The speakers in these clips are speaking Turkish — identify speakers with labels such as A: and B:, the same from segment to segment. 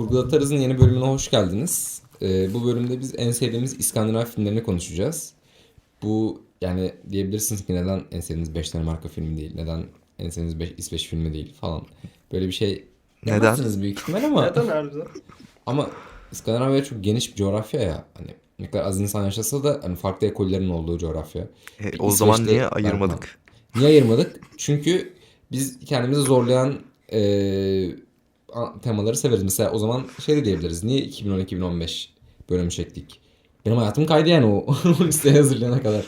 A: Kurgu Atarız'ın yeni bölümüne hoş geldiniz. Bu bölümde biz en sevdiğimiz İskandinav filmlerini konuşacağız. Bu yani diyebilirsiniz ki neden en sevdiğiniz 5 tane marka filmi değil, neden en sevdiğiniz 5 İsveç filmi değil falan. Böyle bir şey
B: Neden?
A: demezsiniz büyük ihtimal ama
C: Neden harbiden?
A: ama İskandinavya çok geniş bir coğrafya ya. Hani ne kadar az insan yaşasa da hani farklı ekollerin olduğu coğrafya. Bir
B: O zaman
A: İsveç'te
B: niye
A: var falan.
B: ayırmadık?
A: Niye ayırmadık? Çünkü biz kendimizi zorlayan temaları severiz. Mesela o zaman şey de diyebiliriz. Niye 2010-2015 bölüm çektik? Benim hayatım kaydı yani o listeye hazırlayana kadar.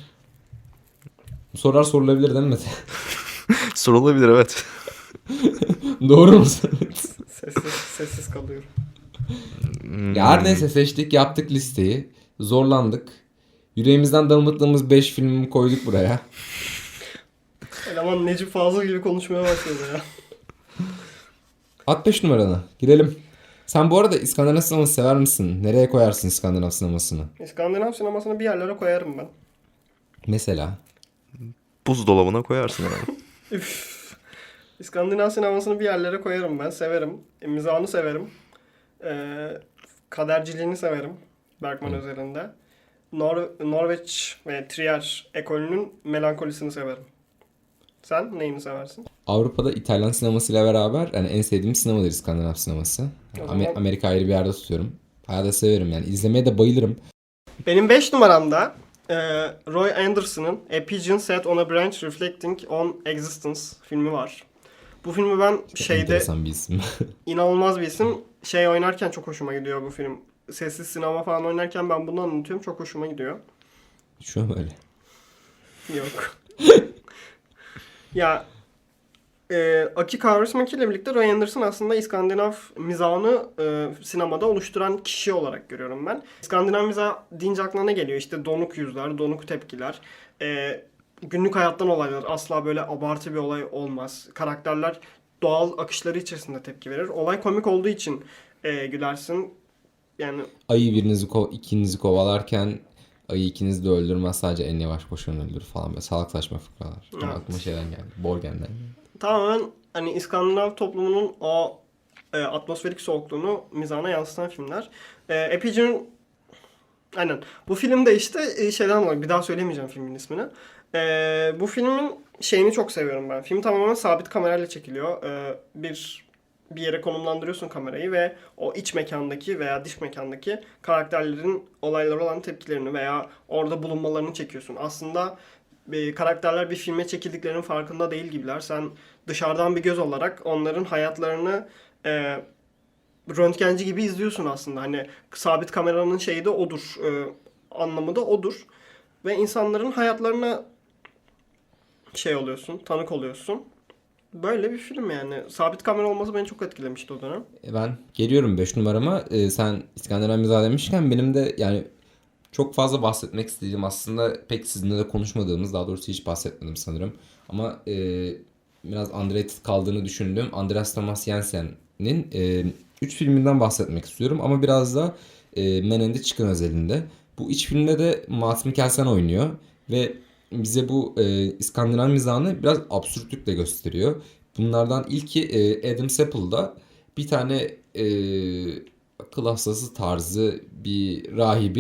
A: Bu sorular sorulabilir değil mi Mete?
B: Sorulabilir, evet.
A: Doğru mu?
C: Sessiz kalıyorum.
A: Ya her neyse seçtik, yaptık listeyi. Zorlandık. Yüreğimizden damıttığımız 5 filmi koyduk buraya.
C: Eleman Necip Fazıl gibi konuşmaya başladı ya.
A: At 5 numaranı. Girelim. Sen bu arada İskandinav sineması sever misin? Nereye koyarsın İskandinav sinemasını?
C: İskandinav sinemasını bir yerlere koyarım ben.
A: Mesela.
B: Buzdolabına koyarsın yani.
C: Üf. İskandinav sinemasını bir yerlere koyarım ben. Severim. Mizahını severim. Kaderciliğini severim. Bergman özelinde. Norveç ve Trier ekolünün melankolisini severim. Sen neyini seversin?
A: Avrupa'da İtalyan sinemasıyla beraber yani en sevdiğim sinemadır İskandinav sineması.
C: O zaman-
A: Amerika ayrı bir yerde tutuyorum. Bayağı da severim yani. İzlemeye de bayılırım.
C: Benim 5 numaramda Roy Anderson'ın A Pigeon Sat on a Branch Reflecting on Existence filmi var. Bu filmi ben şeyde
A: Enteresan bir isim.
C: inanılmaz bir isim. Şey oynarken çok hoşuma gidiyor bu film. Sessiz sinema falan oynarken ben bunu anlatıyorum. Çok hoşuma gidiyor.
A: Şu an öyle.
C: Yok. Ya Aki Kaurismäki ile birlikte Roy Anderson aslında İskandinav mizahını sinemada oluşturan kişi olarak görüyorum ben. İskandinav mizah deyince aklına ne geliyor? İşte donuk yüzler, donuk tepkiler, günlük hayattan olaylar. Asla böyle abartı bir olay olmaz. Karakterler doğal akışları içerisinde tepki verir. Olay komik olduğu için gülersin. Yani
A: Ayı ikinizi kovalarken ayı ikinizi de öldürmez, sadece en yavaş koşan öldürür falan, böyle salak saçma fıkralar.
C: Evet.
A: Aklıma şeyden geldi. Borgen'den geldi.
C: tamamen hani İskandinav toplumunun o atmosferik soğukluğunu mizahına yansıtan filmler. Epigen aynen. Bu filmde işte şeyden dolayı bir daha söylemeyeceğim filmin ismini. Bu filmin şeyini çok seviyorum ben. Film tamamen sabit kamerayla çekiliyor. Bir yere konumlandırıyorsun kamerayı ve o iç mekandaki veya dış mekandaki karakterlerin olaylara olan tepkilerini veya orada bulunmalarını çekiyorsun. Aslında karakterler bir filme çekildiklerinin farkında değil gibiler. Sen dışarıdan bir göz olarak onların hayatlarını röntgenci gibi izliyorsun aslında. Hani sabit kameranın şeyi de odur. Anlamı da odur. Ve insanların hayatlarına şey oluyorsun, tanık oluyorsun. Böyle bir film yani. Sabit kamera olması beni çok etkilemişti o dönem.
A: Ben geliyorum 5 numarama. Sen İskandinav mizahı demişken benim de yani çok fazla bahsetmek istediğim, aslında pek sizinle de konuşmadığımız, daha doğrusu hiç bahsetmedim sanırım. Ama biraz underrated kaldığını düşündüğüm Andreas Thomas Jensen'in 3 filminden bahsetmek istiyorum. Ama biraz da Men in the Chicken özelinde. Bu 3 filmde de Mads Mikkelsen oynuyor. Ve bize bu İskandinav mizahını biraz absürtlükle gösteriyor. Bunlardan ilki Adam Sapple'da bir tane akıl hastası tarzı bir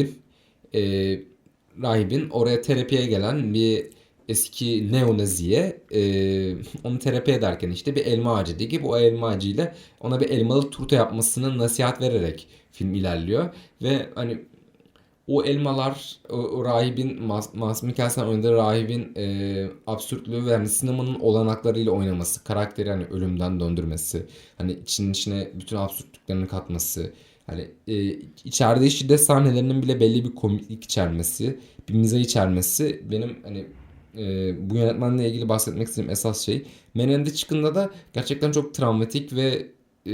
A: e, rahibin oraya terapiye gelen bir eski neonaziye onu terapi ederken işte bir elma ağacı dikip o elma ağacıyla ona bir elmalı turta yapmasını nasihat vererek film ilerliyor. Ve hani o elmalar, o rahibin, Mads Mikkelsen oynadığı rahibin absürtlüğü ve hani sinemanın olanaklarıyla oynaması, karakteri hani ölümden döndürmesi, hani içine bütün absürtlüklerini katması, hani içerdiği şiddet sahnelerinin bile belli bir komiklik içermesi, bir mizah içermesi benim hani bu yönetmenle ilgili bahsetmek istediğim esas şey. Men in the Chicken'da da gerçekten çok travmatik ve e,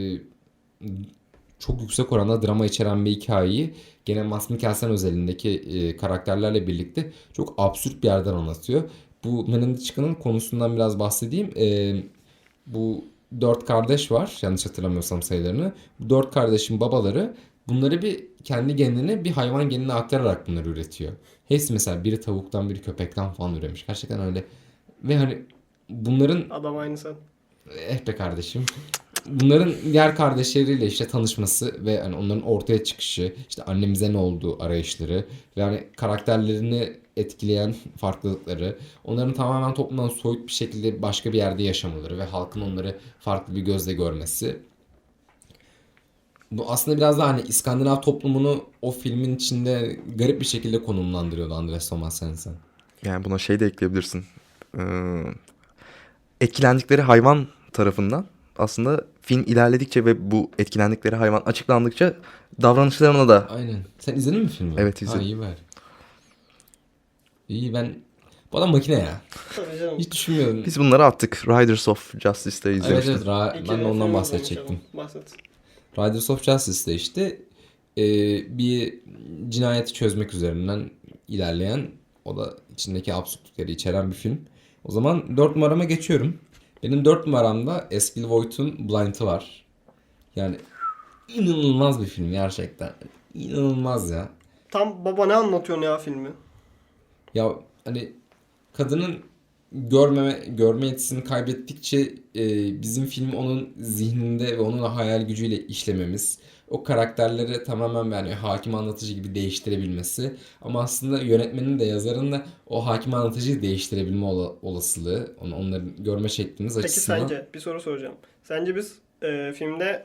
A: çok yüksek oranda drama içeren bir hikayeyi gene Mads Mikkelsen özelindeki karakterlerle birlikte çok absürt bir yerden anlatıyor. Bu Men in the Chicken'ın konusundan biraz bahsedeyim. Bu dört kardeş var, yanlış hatırlamıyorsam sayılarını. Bu dört kardeşin babaları bunları bir kendi genine bir hayvan genine aktararak bunları üretiyor. Hepsi mesela biri tavuktan biri köpekten falan üremiş. Gerçekten öyle. Ve hani bunların
C: Adam aynı sen.
A: be kardeşim. bunların diğer kardeşleriyle işte tanışması ve hani onların ortaya çıkışı, işte annemize ne olduğu arayışları ve hani karakterlerini etkileyen farklılıkları, onların tamamen toplumdan soyut bir şekilde başka bir yerde yaşamaları ve halkın onları farklı bir gözle görmesi. Bu aslında biraz daha hani İskandinav toplumunu o filmin içinde garip bir şekilde konumlandırıyordu Andreas Thomas Hansen.
B: Yani buna şey de ekleyebilirsin. Ee, etkilendikleri hayvan tarafından aslında film ilerledikçe ve bu etkilendikleri hayvan açıklandıkça davranışlarına da
A: Aynen. Sen izledin mi filmi?
B: Evet,
A: Ha,
B: izledim.
A: iyi bari. İyi ben... Bu adam makine ya.
C: Tabii canım.
A: Hiç düşünmüyordum.
B: biz bunları attık. Riders of Justice'da
A: Evet
B: izlemiştim.
A: evet
C: İki
A: ben de ondan
C: film
A: bahsedecektim.
C: izlemiş adam. Bahset.
A: Riders of Justice'de işte bir cinayeti çözmek üzerinden ilerleyen, o da içindeki absürtlükleri içeren bir film. O zaman 4 numarama geçiyorum. Benim 4 numaramda Eskil Voigt'un Blind'ı var. Yani inanılmaz bir film gerçekten. İnanılmaz ya.
C: Tam baba ne anlatıyorsun ya filmi?
A: Ya hani kadının görme yetisini kaybettikçe bizim filmi onun zihninde ve onun hayal gücüyle işlememiz, o karakterleri tamamen yani hakim anlatıcı gibi değiştirebilmesi, ama aslında yönetmenin de yazarın da o hakim anlatıcıyı değiştirebilme olasılığı, onları görme şeklimiz
C: Peki
A: açısından.
C: sence bir soru soracağım. Sence biz filmde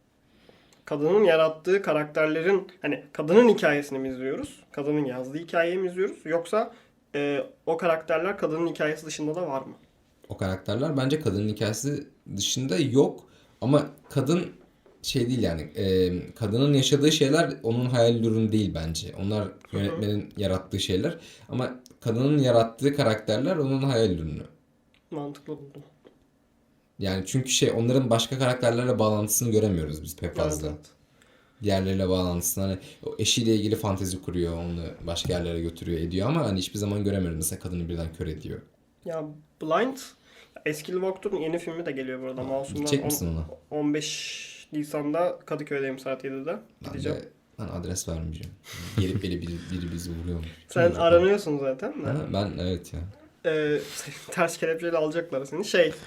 C: kadının yarattığı karakterlerin hani kadının hikayesini mi izliyoruz? Kadının yazdığı hikayeyi mi izliyoruz? Yoksa o karakterler kadının hikayesi dışında da var mı?
A: O karakterler bence kadının hikayesi dışında yok, ama kadın şey değil yani, kadının yaşadığı şeyler onun hayal ürünü değil bence. Onlar yönetmenin yarattığı şeyler, ama kadının yarattığı karakterler onun hayal ürünü.
C: Mantıklı buldum.
A: Yani çünkü onların başka karakterlerle bağlantısını göremiyoruz biz pek fazla.
C: Evet, evet.
A: Diğerleriyle bağlantısını, hani o eşiyle ilgili fantezi kuruyor, onu başka yerlere götürüyor ediyor, ama hani hiçbir zaman göremiyoruz. Mesela kadını birden kör ediyor.
C: Ya Blind, Eskil Voigt'un yeni filmi de geliyor burada. Masumlar
A: Gidecek misin ona?
C: 15 Nisan'da Kadıköy'deyim saat 7'de. Gideceğim.
A: Ben adres vermeyeceğim. Gelip biri bizi vuruyormuş.
C: Sen aranıyorsun zaten de.
A: Ha, ben evet ya.
C: Ters kelepçeyle alacaklar seni.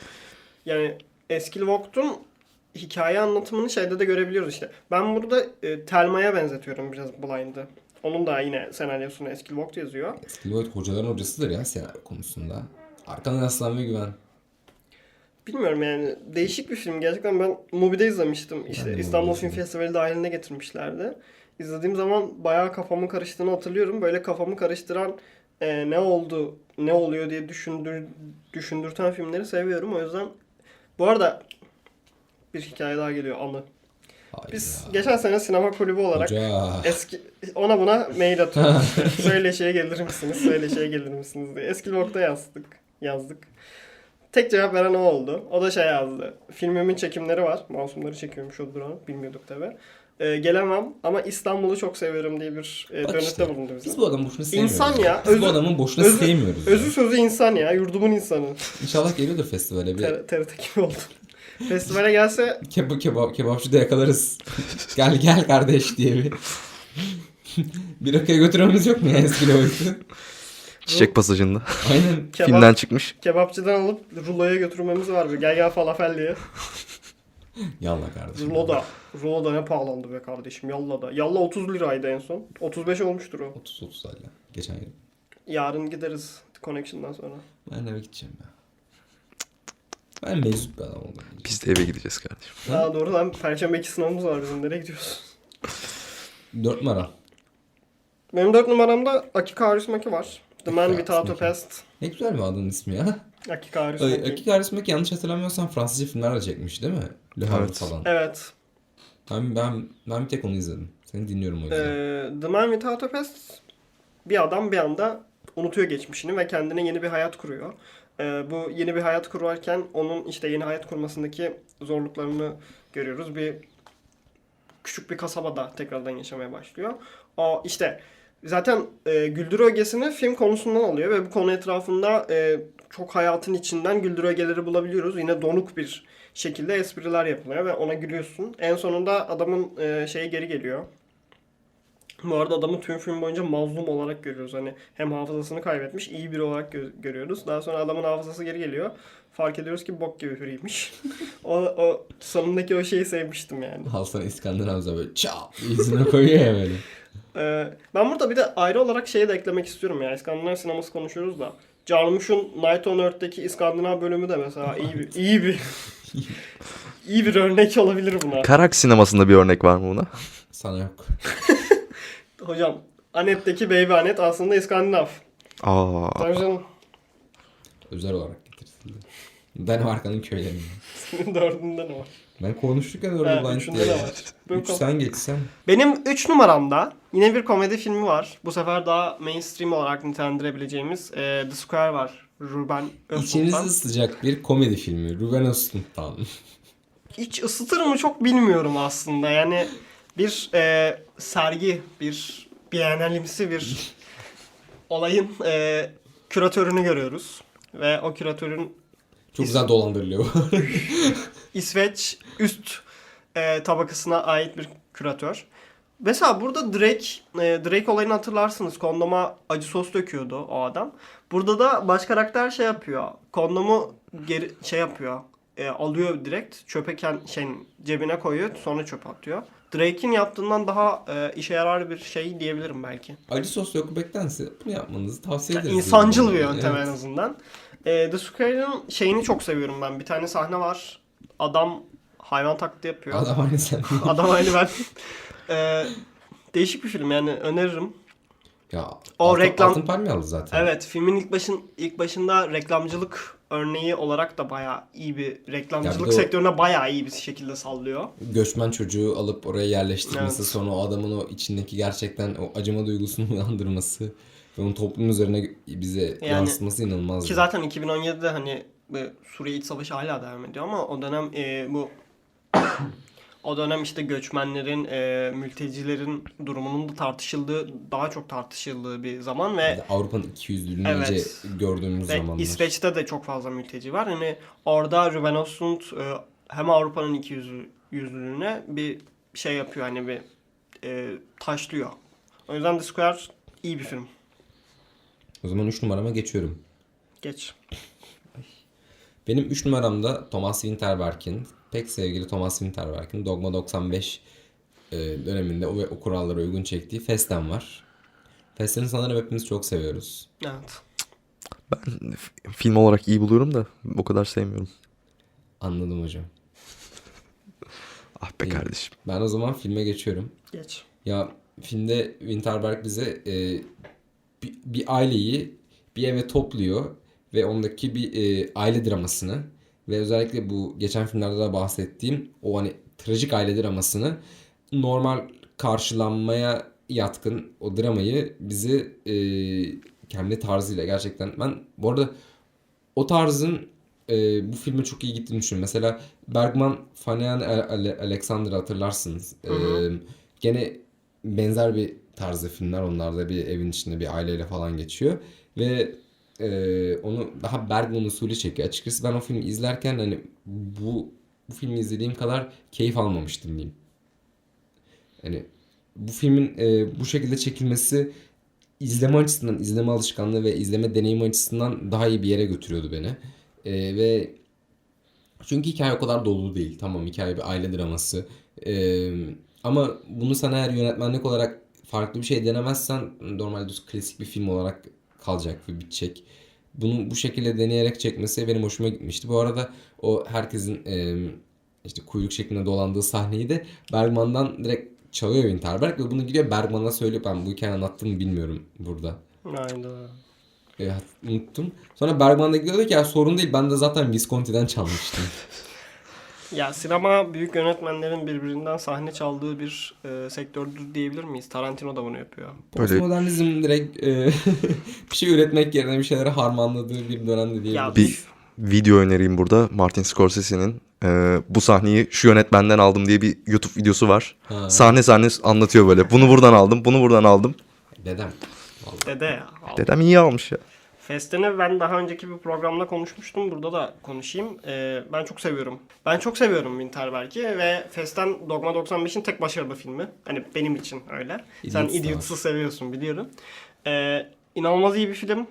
C: Yani Eskil Voigt'un hikaye anlatımını şeyde de görebiliyoruz işte. Ben burada Thelma'ya benzetiyorum biraz Blind'ı. Onun da yine senaryosunu Eskil Voigt yazıyor.
A: Eskil Voigt hocaların hocasıdır ya senaryo konusunda. Arkadan yaslan ve güven.
C: Bilmiyorum yani değişik bir film. Gerçekten ben Mubi'de izlemiştim. İşte
A: Ben de
C: İstanbul
A: Mubi'de
C: Film
A: izledim.
C: Festivali dahiline getirmişlerdi. İzlediğim zaman bayağı kafamın karıştığını hatırlıyorum. Böyle kafamı karıştıran ne oldu, ne oluyor diye düşündürten filmleri seviyorum. O yüzden bu arada bir hikaye daha geliyor, anı.
A: Hayır
C: Biz
A: ya.
C: geçen sene sinema kulübü olarak
A: Hoca.
C: ona buna mail atıyoruz. İşte, söyleşiye gelir misiniz? Söyleşiye gelir misiniz diye. Eskil Voigt'a yazdık. Tek cevap veren o oldu. O da yazdı. Filmimin çekimleri var. Masumları çekiyormuş o duran. Bilmiyorduk tabi. Gelemem ama İstanbul'u çok seviyorum diye bir
A: Bak
C: dönütte
A: işte,
C: bulundu bize.
A: biz bu adamı boşuna sevmiyoruz.
C: İnsan ya,
A: Biz bu adamı boşuna sevmiyoruz. ya.
C: Özü sözü insan ya. Yurdumun insanı.
A: İnşallah geliyordur festivale. Bir
C: TRT gibi oldu. Festivale gelse
A: kebapçıda yakalarız. Gel kardeş diye bir. Bir rakıya götürmemiz yok mu ya Eskil Voigt'u?
B: Çiçek pasajında.
A: Aynen.
B: Filmden çıkmış.
C: kebapçıdan alıp ruloya götürmemiz var. Gel falafel diye.
A: Yallah kardeşim.
C: Rulo da ne pahalandı be kardeşim. Yalla da. Yalla 30 liraydı en son. 35 olmuştur o.
A: 30 hala. Geçen yıl.
C: Yarın gideriz Connection'dan sonra.
A: Ben eve gideceğim ya. Ben meczup bir adam oldum.
B: Biz de eve gideceğiz kardeşim.
C: Daha doğru lan. Perşembe 2 sınavımız var bizim. Nereye gidiyoruz?
A: 4 numara.
C: Benim 4 numaramda Akiko Kaurismäki var. The Man
A: Akiko
C: Without a
A: Kaurismäki.
C: Past.
A: Ne güzel bir adın ismi ya.
C: Akiko Kaurismäki.
A: Akiko Kaurismäki yanlış hatırlamıyorsam Fransızca filmler de çekmiş değil mi? Le Havre
B: Evet.
A: falan.
C: Evet.
A: Ben bir tek onu izledim. Seni dinliyorum o yüzden.
C: The Man Without a Past, bir adam bir anda unutuyor geçmişini ve kendine yeni bir hayat kuruyor. Bu yeni bir hayat kurarken onun işte yeni hayat kurmasındaki zorluklarını görüyoruz. Küçük bir kasabada tekrardan yaşamaya başlıyor. O işte zaten güldür ögesini film konusundan alıyor ve bu konu etrafında çok hayatın içinden güldür ögeleri bulabiliyoruz. Yine donuk bir şekilde espriler yapılıyor ve ona gülüyorsun. En sonunda adamın şeyi geri geliyor. Bu arada adamı tüm film boyunca mazlum olarak görüyoruz. Hani hem hafızasını kaybetmiş, iyi biri olarak görüyoruz. Daha sonra adamın hafızası geri geliyor. Fark ediyoruz ki bok gibi biriymiş. o sonundaki o şeyi sevmiştim yani.
A: Al sana İskandinav'da böyle çap yüzüne koyuyor ya böyle.
C: Ben burada bir de ayrı olarak şeyi de eklemek istiyorum ya. İskandinav sineması konuşuyoruz da. Jarmusch'un Night on Earth'teki İskandinav bölümü de mesela iyi bir örnek olabilir buna.
B: Karak sinemasında bir örnek var mı buna?
A: Sana yok.
C: Hocam, Annette'deki Baby Annette aslında İskandinav.
B: Aa,
C: Tabii canım.
A: Özel olarak getirtildi. Danimarka'nın köylerinde.
C: Senin dördünde ne var?
A: Ben konuştuk ya
C: Evet,
A: Orada Blind
C: üçünde
A: diye.
C: de var.
A: Üç sen geçsen.
C: Benim 3 numaramda yine bir komedi filmi var. Bu sefer daha mainstream olarak nitelendirebileceğimiz The Square var. Ruben Östlund'dan.
A: İçinizi ısıtacak bir komedi filmi. Ruben Östlund'dan.
C: İç ısıtır mı çok bilmiyorum aslında. Yani bir sergi, bir biennalimsi bir olayın küratörünü görüyoruz. Ve o küratörün
A: Çok güzel dolandırılıyor.
C: İsveç üst tabakasına ait bir küratör. Mesela burada Drake olayını hatırlarsınız. Kondoma acı sos döküyordu o adam. Burada da baş karakter şey yapıyor. Kondomu geri şey yapıyor. Alıyor direkt çöpe cebine koyuyor, sonra çöpe atıyor. Drake'in yaptığından daha işe yarar bir şey diyebilirim belki.
A: Acı sos dökmektense bunu yapmanızı tavsiye
C: Yani
A: ederiz.
C: insancıl bir yöntem
A: Evet.
C: en azından. The Square'ın şeyini çok seviyorum ben. Bir tane sahne var. Adam hayvan taklidi yapıyor.
A: Adam aynı sen.
C: Adam aynı ben. Değişik bir film yani, öneririm.
A: Ya
C: O reklam-
A: Altın Palmiye aldı zaten.
C: Evet, filmin ilk başında reklamcılık örneği olarak da bayağı iyi bir
A: Ya
C: reklamcılık
A: bir de o-
C: sektörüne bayağı iyi bir şekilde sallıyor.
A: Göçmen çocuğu alıp oraya yerleştirmesi,
C: Evet.
A: sonra o adamın o içindeki gerçekten o acıma duygusunu uyandırması ve onun toplum üzerine bize
C: Yani-
A: yansıtması inanılmaz.
C: Ki zaten 2017'de hani Suriye İç Savaşı hala devam ediyor ama o dönem o dönem işte göçmenlerin, mültecilerin durumunun da daha çok tartışıldığı bir zaman ve
A: Avrupa'nın ikiyüzlülüğünü
C: Evet.
A: iyice gördüğümüz
C: Ve
A: zamanlar.
C: İsveç'te de çok fazla mülteci var. Hani orada Ruben Östlund hem Avrupa'nın ikiyüzlülüğüne bir şey yapıyor, hani bir taşlıyor. O yüzden The Square iyi bir film.
A: O zaman 3 numarama geçiyorum.
C: Geç.
A: Benim 3 numaramda Thomas Winterberg'in, pek sevgili Thomas Winterberg'in Dogma 95 döneminde o kurallara uygun çektiği Festen var. Festen'i sanırım hepimiz çok seviyoruz.
C: Evet.
B: film olarak iyi buluyorum da o kadar sevmiyorum.
A: Anladım hocam.
B: Ah be
A: İyi.
B: kardeşim.
A: Ben o zaman filme geçiyorum.
C: Geç.
A: Ya filmde Winterberg bize bir aileyi bir eve topluyor ve ondaki bir aile dramasını ve özellikle bu geçen filmlerde de bahsettiğim o hani trajik aile dramasını normal karşılanmaya yatkın o dramayı bizi kendi tarzıyla gerçekten ben bu arada o tarzın bu filme çok iyi gittiğini düşünüyorum. Mesela Bergman, Fanny and Alexander'ı hatırlarsınız. Gene benzer bir tarzda filmler. Onlar da bir evin içinde bir aileyle falan geçiyor. Ve onu daha Bergman usulü çekiyor. Açıkçası ben o filmi izlerken hani bu filmi izlediğim kadar keyif almamıştım diyeyim. Hani bu filmin bu şekilde çekilmesi izleme açısından, izleme alışkanlığı ve izleme deneyimi açısından daha iyi bir yere götürüyordu beni. Ve çünkü hikaye o kadar dolu değil. Tamam, hikaye bir aile draması. Ama bunu sen eğer yönetmenlik olarak farklı bir şey denemezsen normalde düz klasik bir film olarak kalacak ve bitecek. Bunu bu şekilde deneyerek çekmesi benim hoşuma gitmişti. Bu arada o herkesin işte kuyruk şeklinde dolandığı sahneyi de Bergman'dan direkt çalıyor Winterberg ve bunu gidiyor Bergman'a söylüyor. Ben bu hikayeyi anlattım mı bilmiyorum burada.
C: Aynen.
A: Evet, unuttum. Sonra Bergman da diyordu ki ya sorun değil, ben de zaten Visconti'den çalmıştım.
C: Ya sinema büyük yönetmenlerin birbirinden sahne çaldığı bir sektördür diyebilir miyiz? Tarantino da bunu yapıyor.
B: Böyle-
A: Postmodernizm direkt bir şey üretmek yerine bir şeyleri harmanladığı bir dönemde
C: Ya
A: diyebiliriz.
B: Bir video önereyim burada. Martin Scorsese'nin bu sahneyi şu yönetmenden aldım diye bir YouTube videosu var.
A: Ha.
B: Sahne sahne anlatıyor böyle. Bunu buradan aldım, bunu buradan aldım.
A: Dedem. Vallahi.
C: Dede ya.
B: Dedem iyi almış ya.
C: Fest'ini ben daha önceki bir programda konuşmuştum. Burada da konuşayım. Ben çok seviyorum. Ben çok seviyorum Winterberg'i ve Fest'ten Dogma 95'in tek başarılı filmi. Hani benim için öyle. Sen
A: Idiots da
C: Idiots'ı seviyorsun biliyorum. İnanılmaz iyi bir film.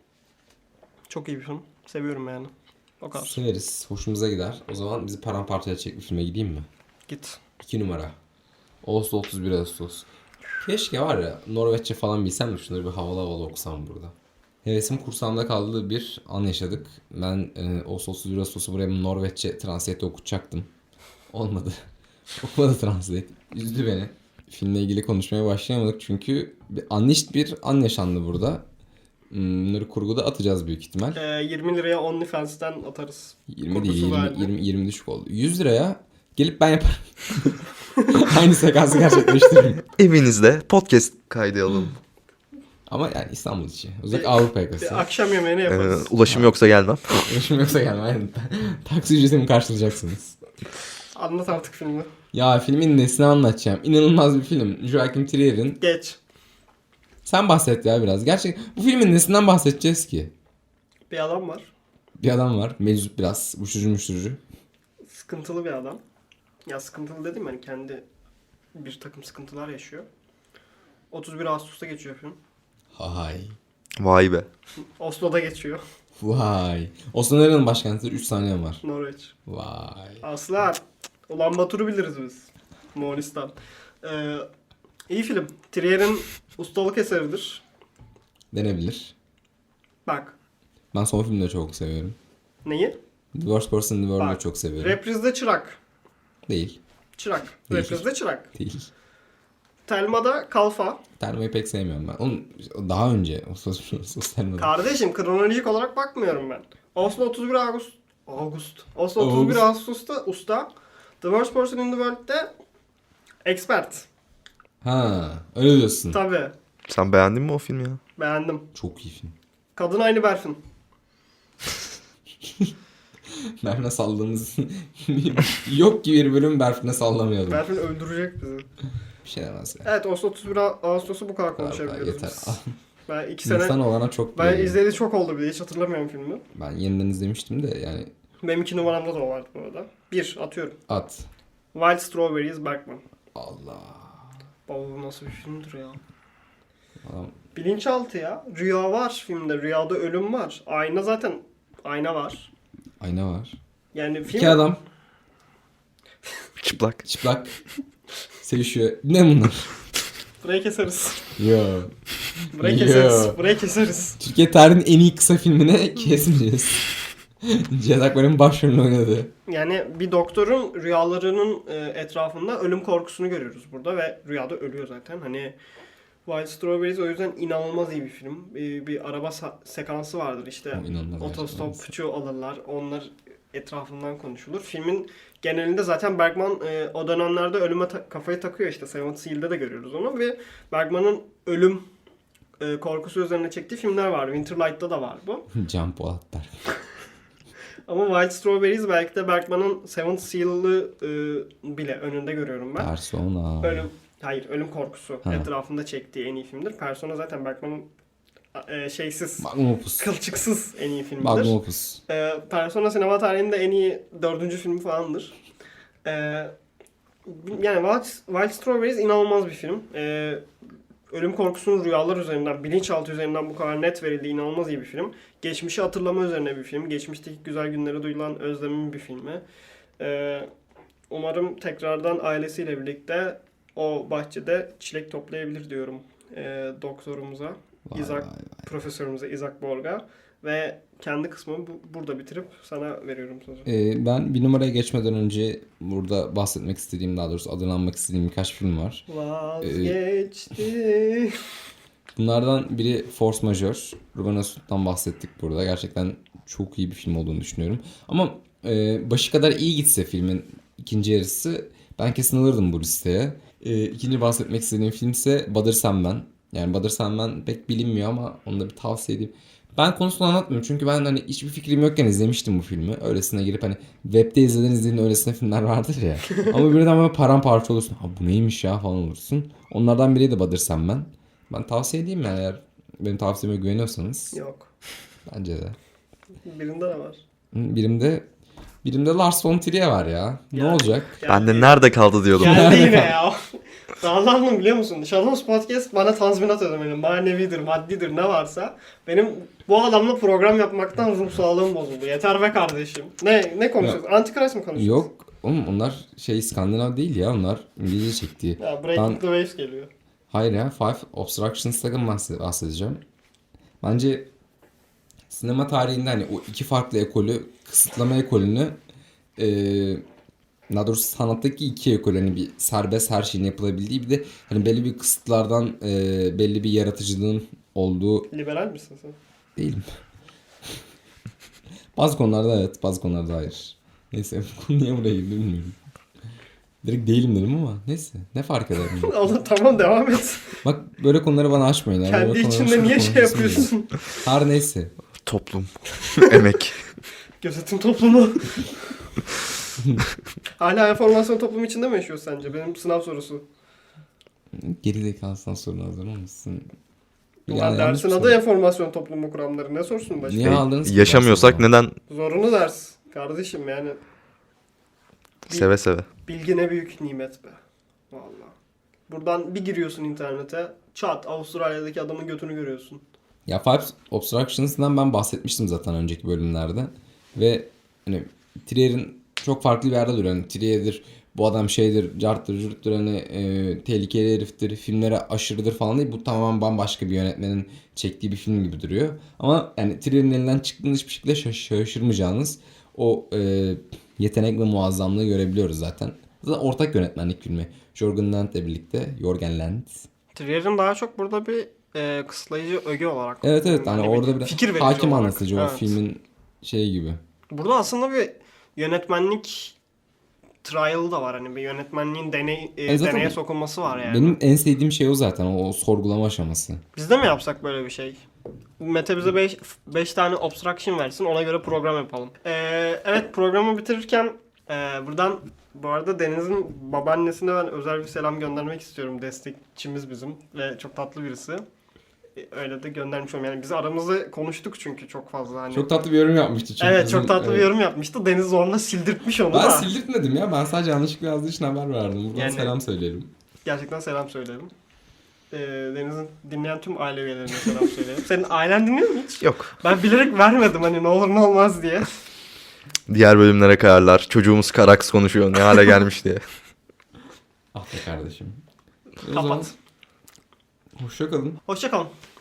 C: Çok iyi bir film. Seviyorum yani. O kadar.
A: Severiz. Hoşumuza gider. O zaman bizi paramparça edecek bir filme gideyim mi?
C: Git.
A: 2 numara. Ağustos 31 Ağustos. Keşke var ya Norveççe falan bilsem de şunları bir havalı havalı okusam burada. Hevesim kursağımda kaldığı bir an yaşadık. Ben Ağustos 31 Ağustos'u buraya Norveççe translate'de okutacaktım. Olmadı. Okumadı translate. Üzdü beni. Filmle ilgili konuşmaya başlayamadık çünkü bir an yaşandı burada. Bunları kurguda atacağız büyük ihtimal.
C: 20 liraya OnlyFans'ten atarız.
A: 20
C: Kurgusu
A: değil, 20,
C: verdi.
A: 20 düşük oldu. 100 liraya gelip ben yaparım. Aynı sekansı gerçekleştiririm.
B: Evinizde podcast kaydı alalım.
A: Ama yani İstanbul içi. Özellikle Avrupa yakası.
C: Akşam yemeğini yaparız.
B: Ulaşım yoksa gelmem.
A: Ulaşım yoksa gelme. Aynen. Taksi ücretimi karşılayacaksınız.
C: Anlat artık filmi.
A: Ya filmin nesini anlatacağım. İnanılmaz bir film. Joachim Trier'in.
C: Geç.
A: Sen bahset ya biraz. Gerçek bu filmin nesinden bahsedeceğiz ki?
C: Bir adam var.
A: Bir adam var. Meczup biraz. Uyuşturucu.
C: Sıkıntılı bir adam. Ya sıkıntılı dedim hani kendi bir takım sıkıntılar yaşıyor. 31 Ağustos'ta geçiyor film.
A: Hay.
B: Vay be.
C: Oslo'da geçiyor.
A: Vay. Oslo nerenin başkentidir? 3 saniyem var.
C: Norveç.
A: Vay.
C: Aslan. Ulan Batur'u biliriz biz. Moğolistan. İyi film. Trier'in ustalık eseridir.
A: Denebilir.
C: Bak.
A: Ben son filmleri çok seviyorum.
C: Neyi?
A: The Worst Person in the World'u
C: Bak.
A: çok seviyorum.
C: Reprizde çırak.
A: Değil.
C: Çırak.
A: Değil.
C: Reprizde çırak.
A: Değil.
C: Telma'da kalfa.
A: Termo'yu pek sevmiyorum ben. Onun daha önce o sosyal medya.
C: Kardeşim kronolojik olarak bakmıyorum ben. Oslo 31 Ağustos. Oslo 31
A: Ağustos.
C: Ağustos'ta usta. The Worst Person in the World'de expert.
A: Ha, öyle diyorsun.
C: Tabii.
B: Sen beğendin mi o filmi ya?
C: Beğendim.
A: Çok iyi film.
C: Kadın aynı Berfin.
A: Berfine salladığımız yok gibi bir bölüm Berfine sallamayalım.
C: Berfin öldürecek bizi.
A: Bir şey demez ya.
C: Evet Oslo 31 Ağustos'u bu kadar
A: Bu kadar
C: konuşabiliriz
A: yeter.
C: biz. Ben 2 sene...
A: İnsan olana çok
C: Ben
A: biliyorum.
C: izlediği çok oldu bile. Hiç hatırlamıyorum filmi.
A: Ben yeniden izlemiştim de yani
C: Benim 2 numaramda da o vardı bu arada. 1. Atıyorum.
A: at.
C: Wild Strawberries Bergman.
A: Allah.
C: Baba bu nasıl bir filmdir ya.
A: Adam
C: Bilinçaltı ya. Rüya var filmde. Rüyada ölüm var. Ayna zaten. Ayna var.
A: ayna var.
C: Yani film...
A: İki adam
B: Çıplak.
A: çıplak sevişiyor. Ne bunlar?
C: Burayı keseriz.
A: Yo.
C: Burayı
A: Yo.
C: keseriz. Burayı keseriz.
A: Türkiye tarihinin en iyi kısa filmini kesmeyeceğiz. Cihaz Akbar'ın başrolünü oynadı.
C: Yani bir doktorun rüyalarının etrafında ölüm korkusunu görüyoruz burada ve rüyada ölüyor zaten. Hani Wild Strawberries o yüzden inanılmaz iyi bir film. Bir araba sekansı vardır işte.
A: O inanılmaz
C: Otostopçu alırlar. Onlar etrafından konuşulur. Filmin genelinde zaten Bergman o dönemlerde ölüme kafayı takıyor işte. Seventh Seal'de de görüyoruz onu ve Bergman'ın ölüm korkusu üzerine çektiği filmler var. Winterlight'ta da var bu.
A: Can Polat der.
C: Ama Wild Strawberries belki de Bergman'ın Seventh Seal'ı bile önünde görüyorum ben.
A: Persona.
C: Ölüm korkusu
A: Ha.
C: etrafında çektiği en iyi filmdir. Persona zaten Bergman'ın şeysiz,
A: Magnum Opus.
C: kılçıksız en iyi filmidir.
A: Magnum Opus.
C: Persona sinema tarihinde en iyi 4. filmi falandır. Yani Wild Strawberries inanılmaz bir film. Ölüm korkusunun rüyalar üzerinden, bilinçaltı üzerinden bu kadar net verildiği inanılmaz iyi bir film. Geçmişi hatırlama üzerine bir film. Geçmişteki güzel günlere duyulan özlemin bir filmi. Umarım tekrardan ailesiyle birlikte o bahçede çilek toplayabilir diyorum doktorumuza,
A: Vay
C: Isaac,
A: vay vay.
C: profesörümüze Isaac Borg'a. Ve kendi kısmımı burada bitirip sana veriyorum sözü.
A: Ben bir numaraya geçmeden önce burada bahsetmek istediğim, daha doğrusu adını anmak istediğim birkaç film var.
C: Vazgeçti.
A: Bunlardan biri Force Majeure. Ruben Östlund'dan bahsettik burada. Gerçekten çok iyi bir film olduğunu düşünüyorum. Ama başı kadar iyi gitse filmin ikinci yarısı ben kesin alırdım bu listeye. İkinci bahsetmek istediğim film ise Badır Sen Ben. Yani Badır Sen Ben pek bilinmiyor ama onu da bir tavsiye edeyim. Ben konusunu anlatmıyorum çünkü ben hani hiçbir fikrim yokken izlemiştim bu filmi. Öylesine girip hani webde izlediğin öylesine filmler vardır ya. Ama birden böyle paramparça olursun. Ha bu neymiş ya falan olursun. Onlardan biri de Badır Sen Ben. Ben tavsiye edeyim yani eğer benim tavsiyeme güveniyorsanız
C: Yok.
A: bence de.
C: Birinde de var.
A: Birimde Lars von Trier var ya. Ne
C: Yani-
A: olacak?
B: Ben de nerede kaldı diyordum.
C: Geldi yine ya. Dağlandım biliyor musun? Shadows Podcast bana tazminat ödemeli. Manevidir, maddidir ne varsa. Benim bu adamla program yapmaktan ruh sağlığım bozuldu. Yeter be kardeşim. Ne konuşuyoruz? Antichrist mi konuşuyoruz?
A: Yok. Oğlum onlar İskandinav değil ya. Onlar İngilizce çektiği.
C: Ya Breaking
A: Ben-
C: the Waves geliyor.
A: Hayır ya. Five Obstructions'tan bahsedeceğim. Bence sinema tarihinde hani o iki farklı ekolü, kısıtlama ekolünü daha doğrusu sanattaki iki ekol, hani bir serbest her şeyin yapılabildiği, bir de hani belli bir kısıtlardan belli bir yaratıcılığın olduğu
C: Liberal misin sen?
A: değilim. Bazı konularda evet, bazı konularda hayır. Neyse bu konu niye buraya girdi bilmiyorum. Direkt değilim dedim ama neyse ne fark eder mi?
C: Allah tamam devam et.
A: Bak böyle konuları bana açmayın. ya.
C: Kendi
A: Böyle konuları
C: içinde niye
A: konuşasım
C: şey
A: geliyor.
C: yapıyorsun?
A: Her neyse.
B: Toplum, emek.
C: Gözetim toplumu. Hala enformasyon toplumu içinde mi yaşıyor sence? Benim sınav sorusu.
A: Gerizekalısından sorun hazır mısın?
C: Ulan
A: yanlış
C: dersin
A: bir
C: adı
A: soru.
C: enformasyon toplumu kuramları. Ne sorsun başka?
A: Niye aldınız ki
B: Yaşamıyorsak
A: dersi o zaman?
B: neden
C: Zorunlu ders. Kardeşim yani
B: seve seve.
C: bilgi ne büyük nimet be. Vallahi. Buradan bir giriyorsun internete. Çat Avustralya'daki adamın götünü görüyorsun.
A: Ya Five Obstructions'dan ben bahsetmiştim zaten önceki bölümlerde. Ve hani Trier'in çok farklı bir yerde duruyor. Hani Trier'dir, bu adam şeydir, carttır, cürttür, hani tehlikeli heriftir, filmlere aşırıdır falan değil. Bu tamamen bambaşka bir yönetmenin çektiği bir film gibi duruyor. Ama yani Trier'in elinden çıktığında hiçbir şekilde şaşırmayacağınız o yetenek ve muazzamlığı görebiliyoruz zaten. Zaten ortak yönetmenlik filmi. Jorgen Land'le birlikte. Jorgen Land.
C: Trier'in daha çok burada bir kısıtlayıcı öge olarak.
A: Evet hani orada bir
C: fikir verici
A: hakim
C: olarak.
A: anlatıcı o
C: Evet.
A: filmin şeyi gibi.
C: Burada aslında bir yönetmenlik trial da var. Hani bir yönetmenliğin
A: zaten
C: deneye sokulması var yani.
A: Benim en sevdiğim şey o zaten, o sorgulama aşaması.
C: Biz de mi yapsak böyle bir şey? Mete bize 5 tane obstruction versin, ona göre program yapalım. Evet, programı bitirirken buradan bu arada Deniz'in babaannesine ben özel bir selam göndermek istiyorum. Destekçimiz bizim ve çok tatlı birisi. Öyle de göndermiş olayım. Yani biz aramızda konuştuk çünkü çok fazla. Hani...
A: Çok tatlı bir yorum yapmıştı çünkü.
C: Evet,
A: bizim-
C: çok tatlı bir
A: evet.
C: yorum yapmıştı. Deniz zorla sildirtmiş onu
A: Ben
C: da.
A: sildirtmedim ya. Ben sadece yanlışlıkla yazdığı için haber verdim. Buradan
C: Yani-
A: selam söyleyelim.
C: Gerçekten selam söyleyelim. Deniz'in dinleyen tüm aile üyelerine selam söyleyelim. Senin ailen dinliyor mu hiç?
B: Yok.
C: Ben bilerek vermedim hani ne olur ne olmaz diye.
B: Diğer bölümlere kayarlar. Çocuğumuz Karaks konuşuyor. Ne hale gelmiş diye.
A: Ah be kardeşim. O zaman
C: Kapat.
A: hoşça kalın.
C: Hoşça kalın.